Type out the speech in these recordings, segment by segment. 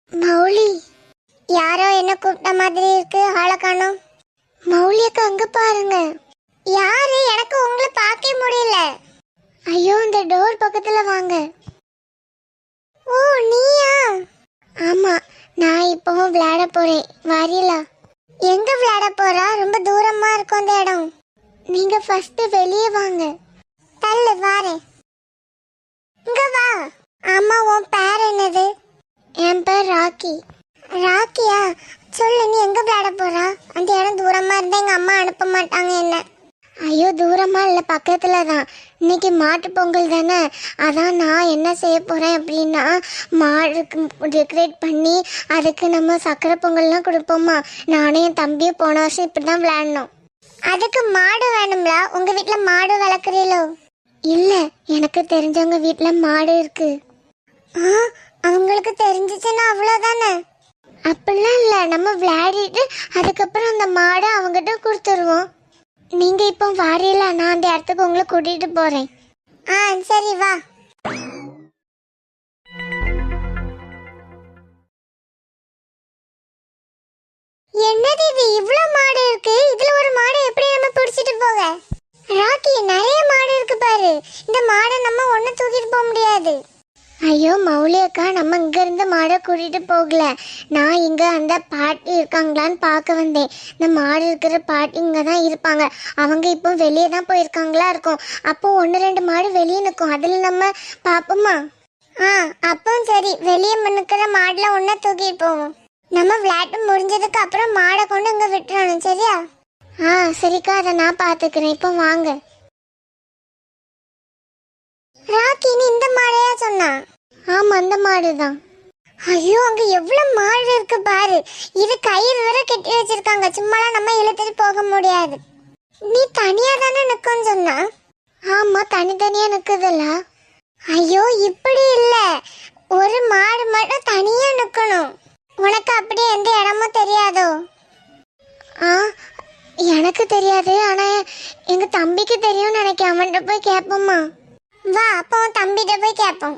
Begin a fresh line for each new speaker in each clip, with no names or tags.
மௌலி, யாரோ என்ன கூப்பிட்ட மாதிரி இருக்கு. ஆளை காணோம். மௌலியக்கு அங்க பாருங்க. யாரு? எனக்கு உங்களை பார்க்க முடியல. ஐயோ, இந்த டோர் பக்கத்துல வாங்க. ஓ, நீயா? ஆமா, நான் இப்போ விளையாட போறேன். வரீங்களா? எங்க விளையாட போறா? ரொம்ப தூரமா இருக்கும் அந்த இடம். நீங்க ஃபர்ஸ்ட் வெளியே வாங்க. தள்ளு வாரேன். இங்க வா. ஆமா, உன் பேர் என்னது? என் பேர் ராக்கி. ராக்கியா? சொல்லு, நீ எங்க விளையாட போறா? அந்த இடம் தூரமா இருந்தா எங்க அம்மா அனுப்ப மாட்டாங்க என்ன. ஐயோ, தூரமா இல்லை, பக்கத்துல தான். இன்னைக்கு மாட்டு பொங்கல் தானே, அதான் நான் என்ன செய்ய போறேன் அப்படின்னா, மாடுக்கு டெக்கரேட் பண்ணி அதுக்கு நம்ம சக்கரை பொங்கல்லாம் கொடுப்போமா. நானே என் தம்பியும் போன வருஷம் இப்படிதான் விளையாடணும். அதுக்கு மாடு வேணும்ல? உங்க வீட்டுல மாடு வளர்க்குறீங்களோ? இல்ல, எனக்கு தெரிஞ்சவங்க வீட்டுல மாடு இருக்கு. அவங்களுக்கு தெரிஞ்சிச்சுன்னா அவ்வளவுதானே. அப்படிலாம் இல்ல, நம்ம விளையாடிட்டு அதுக்கப்புறம் அந்த மாடை அவங்ககிட்ட கொடுத்துருவோம். நீங்க இப்போ வாரியல, நான் அந்த இடத்துக்கு உங்களை கூட்டிட்டு போறேன். சரி வா. என்னது இது? இவ்ளோ மாடு இருக்கு. இதுல ஒரு மாடை எப்படி நம்ம பிடிச்சிட்டு போக? ராக்கி, நிறைய மாடு இருக்கு பாரு. இந்த மாடை நம்ம ஒண்ணு தூக்கிட்டு போக முடியாது. ஐயோ மௌலி அக்கா, நம்ம இங்க இருந்து மாடை கூட்டிட்டு போகல. நான் இங்க அந்த பாட்டி இருக்காங்களான்னு பார்க்க வந்தேன். இந்த மாடு இருக்கிற பாட்டி இங்க தான் இருப்பாங்க. அவங்க இப்போ வெளியே தான் போயிருக்காங்களா இருக்கும். அப்போ 1-2 மாடு வெளியே நிற்கும். அதுல நம்ம பாப்போமா? அப்போ சரி, வெளியே நிற்கிற மாடுல ஒன்ன தூக்கிட்டு போவோம். நம்ம விளையாட்டு முடிஞ்சதுக்கு அப்புறம் மாடை கொண்டு இங்க விட்டுறணும், சரியா? சரிக்கா, அதை நான் பாத்துக்கிறேன். இப்போ வாங்க. ராக்கி, நீ இந்த மாடையா சொன்னா? ஆமா, அந்த மாடுதான். ஐயோ, அங்க எவ்வளவு மாடு இருக்கு பாரு. இது கயிறு வரை கட்டி வச்சிருக்காங்க. சும்மாலாம் நம்ம இழுத்துட்டு போக முடியாது. நீ தனியா தானே நிக்கன்னு சொன்னா? ஆமா, தனித்தனியா நிக்குதுல்ல. ஐயோ, இப்படி இல்ல, ஒரு மாடு மட்டும் தனியா நிக்கணும். உனக்கு அப்படி எந்த இடமும் தெரியாதோ? எனக்கு தெரியாது, ஆனா எங்க தம்பிக்கு தெரியும் நினைக்கிறேன். அவன்கிட்ட போய் கேட்போமா? வா, அப்போ தம்பிட்ட போய் கேட்போம்.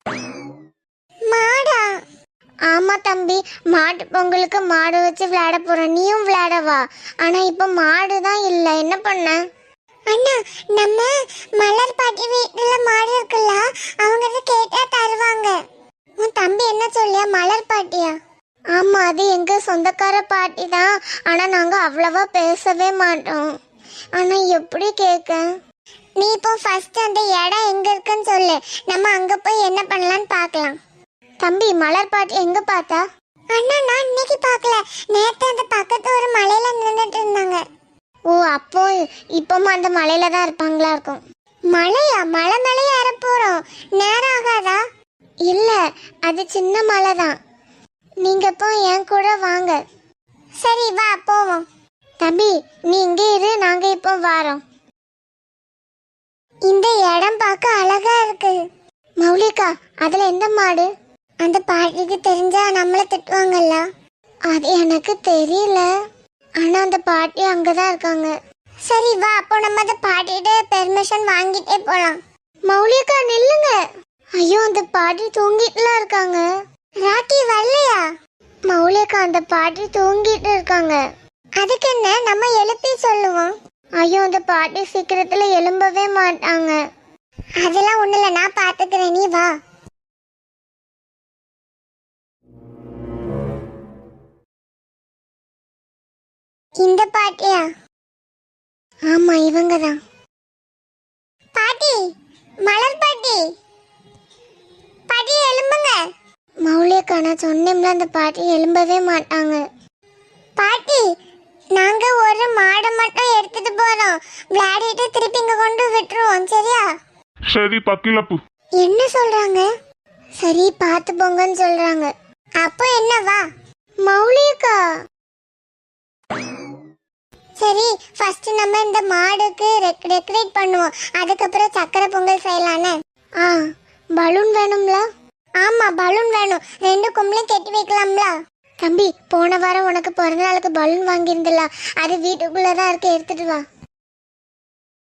மாடா? ஆமா தம்பி, மாட்டு பொங்கலுக்கு மாடு வச்சு விளையாட போறோம். நீயும் விளையாட வா. ஆனா இப்ப மாடு தான் இல்ல, என்ன பண்ண? அண்ணா, நம்ம மலர் பாட்டி வீட்டுல மாடு இருக்குல்ல, அவங்க கேட்டா தருவாங்க. உன் தம்பி என்ன சொல்லியா? மலர் பாட்டியா? ஆமா, அது எங்க சொந்தக்கார பாட்டி தான். ஆனா நாங்க அவ்வளவா பேசவே மாட்டோம். ஆனா எப்படி கேட்க? நீ இப்போ ஃபர்ஸ்ட் அந்த இடம் எங்க இருக்குன்னு சொல்லு. நம்ம அங்க போய் என்ன பண்ணலாம்னு பார்க்கலாம். தம்பி, மலர் பாட்டி எங்க பார்த்தா? அண்ணா, நான் இன்னைக்கு பார்க்கல. நேத்து அந்த பக்கத்து ஒரு மலையில நின்னுட்டு இருந்தாங்க. ஓ, அப்போ இப்போமா அந்த மலையில தான் இருப்பாங்களா இருக்கும். மலையா? மலை மேலே ஏற போறோம், நேரம் ஆகாதா? இல்ல, அது சின்ன மலை தான். நீங்க இப்போ என் கூட வாங்க. சரி வா, போவோம். தம்பி, நீ இங்கே இரு, நாங்க இப்போ வாரோம். இந்த இடம் பார்க்க அழகா இருக்கு. மௌலிகா, அதுல எந்த மாடு? அந்த பாட்டிக்கு தெரிஞ்சா நம்மள திட்டுவாங்கல்ல. அது எனக்கு தெரியல, ஆனா அந்த பாட்டி அங்கதான் இருக்காங்க. சரி வா, அப்போ நம்ம அந்த பாட்டிட்ட பெர்மிஷன் வாங்கிட்டே போலாம். மௌலிகா, நில்லுங்க. ஐயோ, அந்த பாட்டி தூங்கிட்டுலாம் இருக்காங்க. ராக்கி வரலையா? மௌலிகா, அந்த பாட்டி தூங்கிட்டு இருக்காங்க. அதுக்கு என்ன, நம்ம எழுப்பி சொல்லுவோம். ஐயோ, அந்த பாட்டி சீக்கிரத்துல எழும்பவே மாட்டாங்க. அதெல்லாம் ஒண்ணு இல்ல, நான் பாத்துக்கிறேன், நீ வா. இந்த பாட்டியா? ஆமா, இவங்க தான். பாட்டி, மலர் பாட்டி, பாட்டி எழும்புங்க. மௌலிகா, நான் சொன்னேன்ல, அந்த பாட்டி எழும்பவே மாட்டாங்க. பாட்டி, நாங்க ஒரு மாடை மட்டும் எடுத்துட்டு போறோம். விளையாடிட்டு திருப்பி இங்க கொண்டு விட்டுருவோம், சரியா?
சரி பக்கிலப்பு.
என்ன சொல்றாங்க? சரி, பார்த்து போங்கன்னு சொல்றாங்க. அப்போ என்ன, வா. மௌலிகா, சரி, ஃபர்ஸ்ட் நம்ம இந்த மாடுக்கு டெக்கரேட் பண்ணுவோம். அதுக்கப்புறம் சக்கரை பொங்கல் செய்யலானே. பலூன் வேணும்ல? ஆமா, பலூன் வேணும். 2 கொம்பளையும் கட்டி வைக்கலாம்ல? தம்பி, போன வாரம் உனக்கு பிறந்த நாளுக்கு பலூன் வாங்கியிருந்தல, அது வீட்டுக்குள்ளதான் இருக்கு, எடுத்துட்டு வா.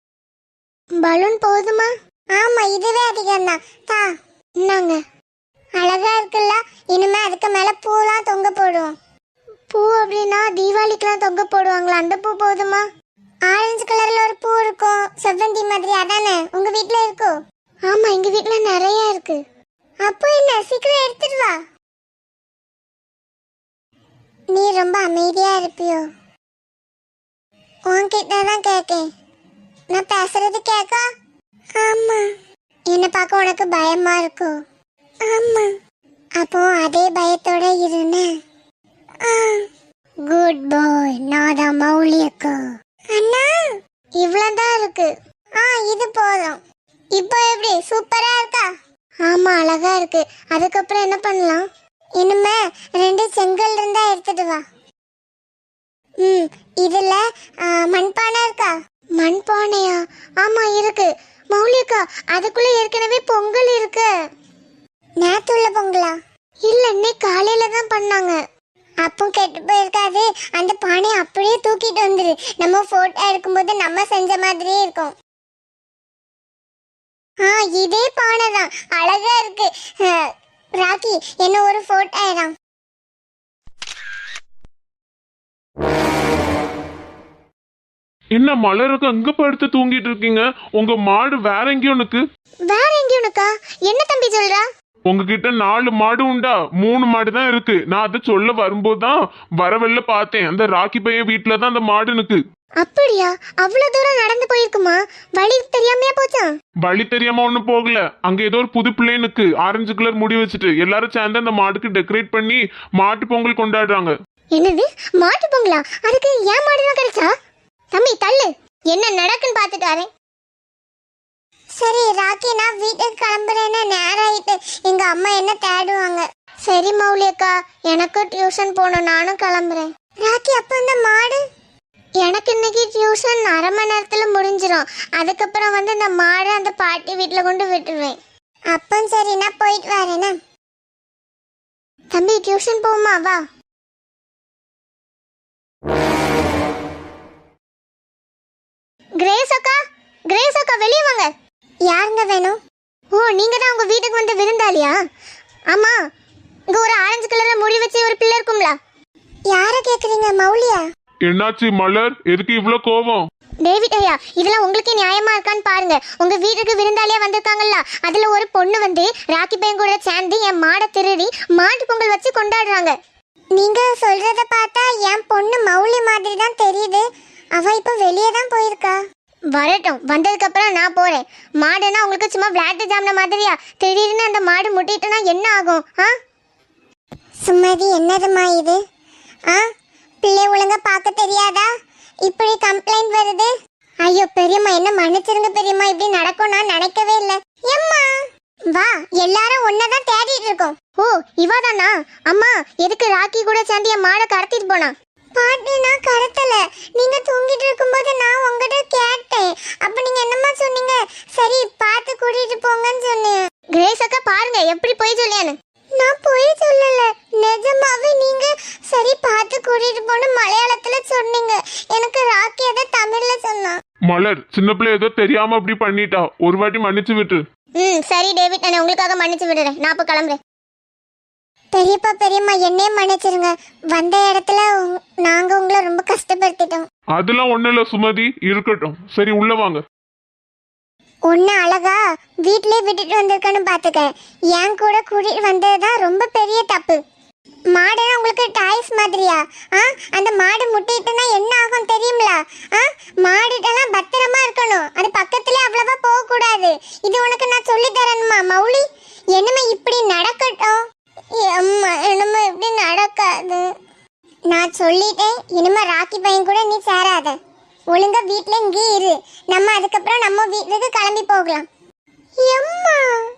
பலூன் போதுமா? ஆமா, இதுவே அதிகம் தான். தா, இன்னாங்க. அழகா இருக்குல்ல. இனிமே அதுக்கு மேல பூலாம் தொங்க போடுவோம். பூ அப்படின்னா தீபாவளிக்குலாம் தொங்க போடுவாங்களா? அந்த பூ போதுமா? ஆரஞ்சு கலர்ல ஒரு பூ இருக்கும், செவ்வந்தி மாதிரி, அதானே உங்க வீட்ல இருக்கோ? ஆமா, எங்க வீட்ல நிறைய இருக்கு. அப்போ என்ன, சீக்கிரம் எடுத்துட்டு வா. நீ ரொம்ப அமைதியா இருப்பியோ? உன்கிட்ட தான் கேக்கேன். நான் பேசுறது கேக்கா? ஆமா. என்ன பார்க்க உனக்கு பயமா இருக்கோ? ஆமா. அப்போ அதே பயத்தோட இருன்னு. Good bye. நான் தான் மௌலி அக்கா. அண்ணா, இவ்வளவுதான் இருக்கு. இது போதும். இப்போ எப்படி, சூப்பரா இருக்கா? ஆமா, அழகா இருக்கு. அதுக்கப்புறம் என்ன பண்ணலாம்? இனிமே 2 செங்கல் இருந்தா எடுத்துட்டு வா. இதுல மண்பானை இருக்கா? மண்பானையா? ஆமா இருக்கு. மௌலிகா, அதுக்குள்ள ஏற்கனவே பொங்கல் இருக்கு. நேத்து உள்ள பொங்கலா? இல்ல, இன்னைக்கு காலையில தான் பண்ணாங்க. அப்போ கெட்டு போயிருக்காது. அந்த பானையை அப்படியே தூக்கிட்டு வந்துரு. நம்ம போட்டோ எடுக்கும்போது நம்ம செஞ்ச மாதிரியே இருக்கும். இதே பானை தான், அழகா இருக்கு. ராக்கி, என்ன ஒரு போட்டோ எடு.
என்ன மலருக்கு அங்க படுத்து தூங்கிட்டு இருக்கீங்க? உங்க மாடு வேற எங்கேயும் இருக்கு?
வேற எங்கேயும் இருக்கா? என்ன தம்பி சொல்றா?
உங்ககிட்ட 4 மாடு உண்டா? 3 மாடு தான் இருக்கு. நான் அதை சொல்ல வரும்போதுதான் வரவெல்ல பார்த்தேன். அந்த ராக்கி பையன் வீட்டுல தான் அந்த மாடு இருக்கு.
அப்படியா? அவ்வளவு தூரம் நடந்து போயிருக்குமா? வழி தெரியாமையா போச்சா?
வழி தெரியாம ஒண்ணு போகல. அங்க ஏதோ ஒரு புது பிள்ளைனுக்கு ஆரஞ்சு கலர் முடி வச்சுட்டு எல்லாரும் சேர்ந்து அந்த மாடுக்கு டெக்கரேட் பண்ணி மாட்டு பொங்கல் கொண்டாடுறாங்க.
என்னது, மாட்டு பொங்கலா? அதுக்கு ஏன் மாடுதான் கிடைச்சா? தம்பி தள்ளு, என்ன நடக்குன்னு பாத்துட்டு வரேன். சரி ராக்கி, நான் வீட்டுக்கு கிளம்புறேன்னு. நேரம் ஆயிட்டு, எங்க அம்மா என்ன தேடுவாங்க. சரி மௌலி அக்கா, எனக்கு டியூஷன் போகணும், நானும் கிளம்புறேன். ராக்கி, அப்ப இந்த மாடு? எனக்கு இன்னைக்கு டியூஷன் அரை மணி நேரத்துல முடிஞ்சிடும். அதுக்கப்புறம் வந்து இந்த மாடு அந்த பாட்டி வீட்டுல கொண்டு விட்டுருவேன். அப்போ சரி, நான் போயிட்டு வரேன்னு. தம்பி, டியூஷன் போமா? வா. கிரேஸ் அக்கா, கிரேஸ் அக்கா, வெளியே வாங்க. யாருங்க வேணும்? ஓ, நீங்க தான் உங்க வீட்டுக்கு வந்து விருந்தாளியா? ஆமா. இங்க ஒரு ஆரஞ்சு கலர்ல முடி வச்சு ஒரு பிள்ளை இருக்கும்ல, யார கேக்குறீங்க? மௌலியா?
என்னாச்சு மலர், எதுக்கு இவ்வளவு கோபம்?
டேவிட் ஐயா, இதெல்லாம் உங்களுக்கு நியாயமா இருக்கான்னு பாருங்க. உங்க வீட்டுக்கு விருந்தாளியா வந்திருக்காங்கல்ல, அதுல ஒரு பொண்ணு வந்து ராக்கி பையன் கூட சேர்ந்து என் மாடை திருடி மாட்டு பொங்கல் வச்சு கொண்டாடுறாங்க. நீங்க சொல்றத பார்த்தா என் பொண்ணு மௌலி மாதிரி தான் தெரியுது. அவ இப்ப வெளியே தான் போயிருக்கா. வரட்டும், வந்ததுக்கு அப்புறம் நான் போறேன். மாடுனா உங்களுக்கு சும்மா விளையாட்டு ஜாமன மாதிரியா? திடீர்னு அந்த மாடு முட்டிட்டுனா என்ன ஆகும்? சுமதி, என்னதுமா இது? பிள்ளை ஒழுங்கா பார்க்க தெரியாதா? இப்படி கம்ப்ளைண்ட் வருது. ஐயோ பெரியம்மா, என்ன மன்னிச்சிருங்க பெரியம்மா, இப்படி நடக்கும் நான் நினைக்கவே இல்லை. எம்மா வா, எல்லாரும் ஒன்னதான் தேடிட்டு இருக்கோம். ஓ, இவாதானா? அம்மா, எதுக்கு ராக்கி கூட சேர்ந்து என் மாடை கடத்திட்டு போனா? பாட்டி, நான் கடத்தல. நீங்க தூங்கிட்டு இருக்கும்போது நான் உங்ககிட்ட கேட்டேன். அப்ப நீங்க என்னம்மா சொன்னீங்க? சரி, பார்த்து கூட்டிட்டு போங்கன்னு சொன்னேன். கிரேஸ் அக்கா, பாருங்க எப்படி போய் சொல்லியானு. நான் போய் சொல்லல, நிஜமாவே நீங்க சரி பார்த்து கூட்டிட்டு போன மலையாளத்துல சொன்னீங்க. எனக்கு ராக்கி அதை தமிழ்ல சொன்னா.
மலர், சின்ன பிள்ளை ஏதோ தெரியாம அப்படி பண்ணிட்டா. ஒரு வாட்டி மன்னிச்சு விட்டு.
சரி டேவிட், நான் உங்களுக்காக மன்னிச்சு விடுறேன். நான் இப்ப கிளம்புறேன். பெரியப்பா பெரியம்மா, என்னையே மன்னிச்சிருங்க. வந்த இடத்துல நாங்க உங்களை ரொம்ப கஷ்டப்படுத்திட்டோம்.
அதெல்லாம் ஒண்ணு இல்ல சுமதி, இருக்கட்டும். சரி, உள்ள வாங்க.
ஒன்னு அழகா வீட்லயே விட்டுட்டு வந்திருக்கேன்னு பாத்துக்க. என் கூட கூட்டிட்டு வந்ததுதான் ரொம்ப பெரிய தப்பு. மாடுனா உங்களுக்கு டாய்ஸ் மாதிரியா? அந்த மாடு முட்டிட்டுனா என்ன ஆகும் தெரியுங்களா? மாடுட்டெல்லாம் பத்திரமா இருக்கணும். அது பக்கத்துல அவ்வளவா போக கூடாது. இது உனக்கு நான் சொல்லி தரணுமா மௌலி? என்னமே இப்படி நடக்கட்டும். அம்மா, என்னமே இப்படி நடக்காது. நான் சொல்லிட்டேன், இனிமே ராக்கி பையன் கூட நீ சேராத. ஒழுங்கா வீட்ல இங்கே இரு. நம்ம அதுக்கப்புறம் நம்ம வீட்டுக்கு கிளம்பி போகலாம். அம்மா,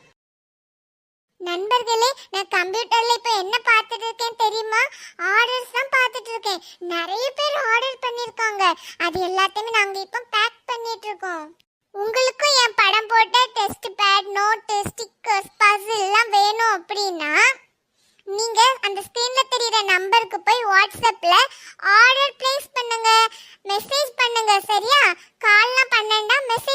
நண்பர்களே, நான் கம்ப்யூட்டர்ல இப்ப என்ன பார்த்துட்டு இருக்கேன் தெரியுமா? ஆர்டர்ஸ் தான் பார்த்துட்டு இருக்கேன். நிறைய பேர் ஆர்டர் பண்ணிருக்காங்க. அது எல்லாத்தையுமே நாங்க இப்ப பேக் பண்ணிட்டு இருக்கோம். உங்களுக்கும் என் படம் போட்ட test pad, note, stickers, puzzle எல்லாம் வேணும் அப்படின்னா நீங்க அந்த ஸ்கிரீன்ல தெரியுற நம்பருக்கு போய் வாட்ஸ்அப்ல ஆர்டர் பிளேஸ் பண்ணுங்க, மெசேஜ் பண்ணுங்க. சரியா? கால்லாம் பண்ணேன்டா, மெசேஜ்